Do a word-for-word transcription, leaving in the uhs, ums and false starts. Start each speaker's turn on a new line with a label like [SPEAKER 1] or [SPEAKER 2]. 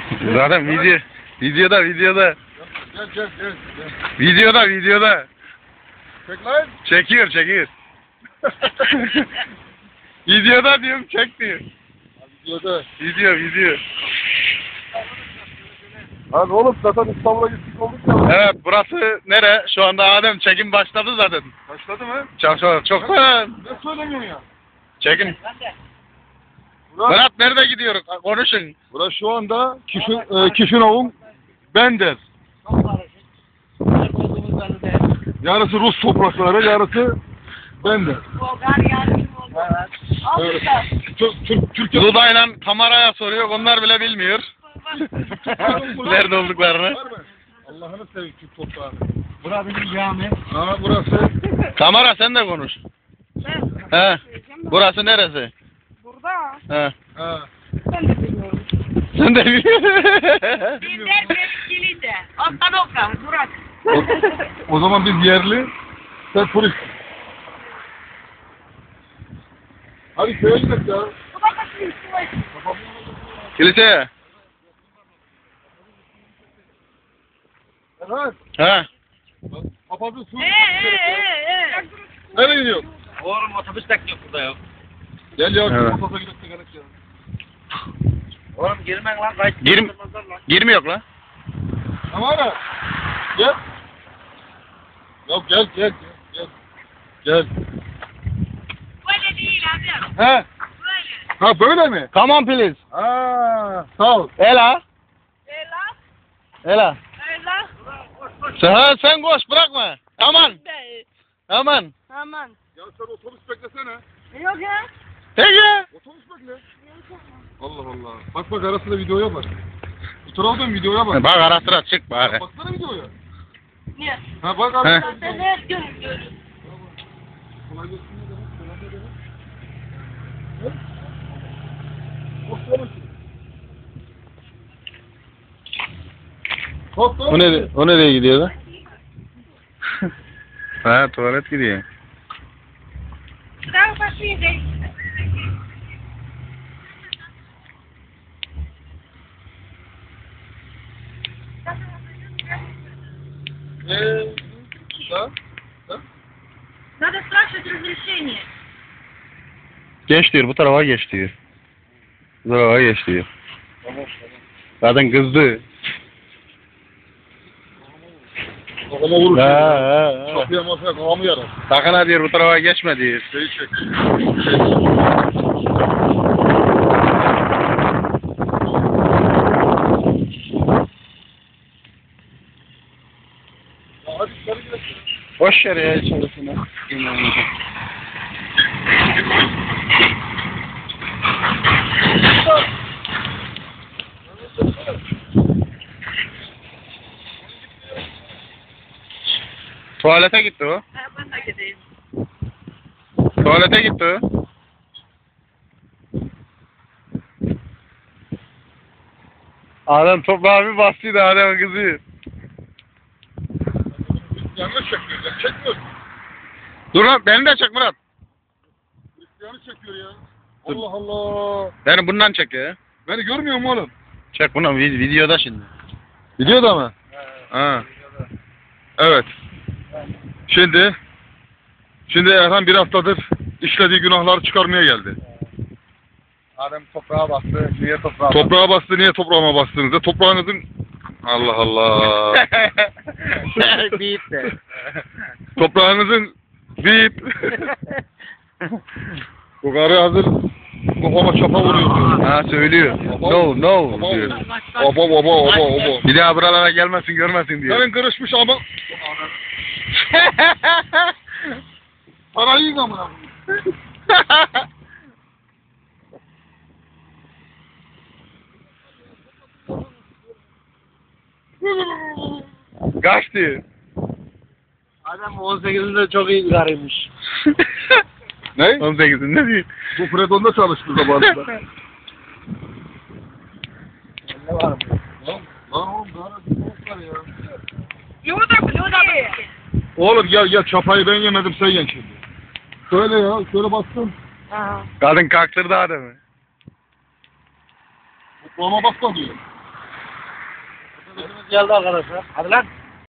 [SPEAKER 1] Zaten video, videoda videoda.
[SPEAKER 2] Gel gel gel. gel.
[SPEAKER 1] Videoda videoda.
[SPEAKER 2] Çek lan.
[SPEAKER 1] Çekiyor çekiyor. Videoda diyorum çek diyor.
[SPEAKER 2] Videoda.
[SPEAKER 1] Video video.
[SPEAKER 2] Abi oğlum zaten İstanbul'a gittik olduk ya.
[SPEAKER 1] Evet burası nere? Şu anda Adem çekim başladı zaten.
[SPEAKER 2] Başladı mı?
[SPEAKER 1] Çok çok çoktan.
[SPEAKER 2] Ne söylemiyorsun ya?
[SPEAKER 1] Çekin.
[SPEAKER 2] Burası,
[SPEAKER 1] Berat nerede gidiyoruz? Konuşun.
[SPEAKER 2] burası şu anda Kişin, e, Kişinov'un Bender. Yarısı Rus toprakları, yarısı Bender. Evet. Türk, Türk, Türkiye...
[SPEAKER 1] Luda'yla kameraya soruyor. Onlar bile bilmiyor. Nerede olduklarını.
[SPEAKER 2] Var mı? Allah'ını seveyim Türk toprağını.
[SPEAKER 3] Burası bir cami.
[SPEAKER 2] Ha burası.
[SPEAKER 1] Kamera sen de konuş. He. Burası neresi?
[SPEAKER 4] Burada.
[SPEAKER 1] He.
[SPEAKER 2] Ha.
[SPEAKER 4] Ben de bilmiyorum.
[SPEAKER 1] Sen de bilmiyorsun.
[SPEAKER 4] Binder Kilide. Oktanoka. Burak.
[SPEAKER 2] O, o zaman biz yerli, sen turist. Hadi köye gidelim ya.
[SPEAKER 4] Bu da kaçıyor.
[SPEAKER 1] Kiliseye.
[SPEAKER 2] Evet.
[SPEAKER 1] He.
[SPEAKER 2] Papazın su.
[SPEAKER 4] Eee eee eee.
[SPEAKER 2] Nereye gidiyorsun?
[SPEAKER 3] Oğlum otobüs bekliyor burada ya.
[SPEAKER 2] Gel ya,
[SPEAKER 1] Evet.
[SPEAKER 2] papaza gidelim de gerek ya.
[SPEAKER 3] Oğlum girmen lan kaç.
[SPEAKER 1] Girim. Girmiyor lan.
[SPEAKER 2] Ama ara. Gel. Ya gel gel gel. Gel.
[SPEAKER 4] Böyle değil abi.
[SPEAKER 2] He.
[SPEAKER 4] Böyle.
[SPEAKER 2] Ha böyle mi?
[SPEAKER 1] Come on please.
[SPEAKER 2] Ha, sağ ol.
[SPEAKER 1] Ela.
[SPEAKER 4] Ela.
[SPEAKER 1] Ela.
[SPEAKER 4] Ela.
[SPEAKER 1] Sen, sen koş bırakma. Aman. Aman.
[SPEAKER 4] Aman.
[SPEAKER 2] Ya sen otobüs beklesene.
[SPEAKER 4] Yok ya.
[SPEAKER 1] Peki.
[SPEAKER 2] Otobüs bekle. Allah Allah. Bak bak arasında videoya bak. Bu tarafa dön videoya bak.
[SPEAKER 1] Bak ara sıra çık bari.
[SPEAKER 2] Baksana videoya.
[SPEAKER 4] Niye?
[SPEAKER 2] Ha bak
[SPEAKER 1] He.
[SPEAKER 2] abi.
[SPEAKER 4] Sen ne görüyorsun?
[SPEAKER 2] Kolay gelsin ne demek? Selam ne demek? He? Hoş geldin. Hoş geldin.
[SPEAKER 1] O nereye, o nereye gidiyor da? Ha tuvalet gidiyor.
[SPEAKER 4] Daha başlayın değil.
[SPEAKER 2] Eee, da? Da?
[SPEAKER 4] Надо спрашивать разрешение.
[SPEAKER 1] Geç diyor bu tarafa geç diyor. Bu tarafa geç diyor.
[SPEAKER 2] Tamam,
[SPEAKER 1] Zaten kızdı.
[SPEAKER 2] tamam. Kafama vurur.
[SPEAKER 1] Ha, ha, ha.
[SPEAKER 2] Kapıya masaya kafamı yarar.
[SPEAKER 1] Sakın ha diyor bu tarafa geçme diyor.
[SPEAKER 2] Şeyi çek. Ya hadi dışarı gidelim.
[SPEAKER 1] Boş yere ya çalışına. Tuvalete gitti o.
[SPEAKER 4] Ha, ben de gideyim.
[SPEAKER 1] Tuvalete gitti o. Adem toprağa bir bastıydı Adem'in kızı.
[SPEAKER 2] Yanlış çekiyor ya. Çekmiyor.
[SPEAKER 1] Dur lan beni de çek Murat.
[SPEAKER 2] Hristiyanı çekiyor ya. Allah Allah.
[SPEAKER 1] Beni bundan çek ya.
[SPEAKER 2] Beni görmüyor mu oğlum?
[SPEAKER 1] Çek bunu vid- videoda şimdi.
[SPEAKER 2] Videoda mı? Ha. Evet. Şimdi Şimdi Erhan bir haftadır işlediği günahları çıkarmaya geldi.
[SPEAKER 1] Adem toprağa bastı. Niye toprağa
[SPEAKER 2] Toprağa bastı, niye toprağıma bastınız da toprağınızın... Allah Allah.
[SPEAKER 1] Bip de.
[SPEAKER 2] Toprağınızın bip. Bu karı hazır kafama çapa vuruyor diyor.
[SPEAKER 1] Ha söylüyor. No no
[SPEAKER 2] Baba
[SPEAKER 1] diyor.
[SPEAKER 2] Baba baba baba baba.
[SPEAKER 1] Bir daha buralara gelmesin görmesin diyor.
[SPEAKER 2] Senin kırışmış ama... Parayı yiyin amına.
[SPEAKER 1] Kaç diyor.
[SPEAKER 3] Adam on sekizinde çok iyi bir karıymış.
[SPEAKER 2] Ne?
[SPEAKER 1] on sekizinde değil.
[SPEAKER 2] Bu Fredon'da çalıştı zamanında.
[SPEAKER 3] Ne var mı?
[SPEAKER 2] Lan lan oğlum daha ne var ya?
[SPEAKER 4] Люда, Люда.
[SPEAKER 2] Oğlum gel gel çapayı ben yemedim sen yen şimdi. Şöyle ya şöyle bastım.
[SPEAKER 1] Kadın kalktırdı adamı.
[SPEAKER 2] Toprağıma basma diyor.
[SPEAKER 3] Otobüsümüz geldi arkadaşlar. Hadi lan.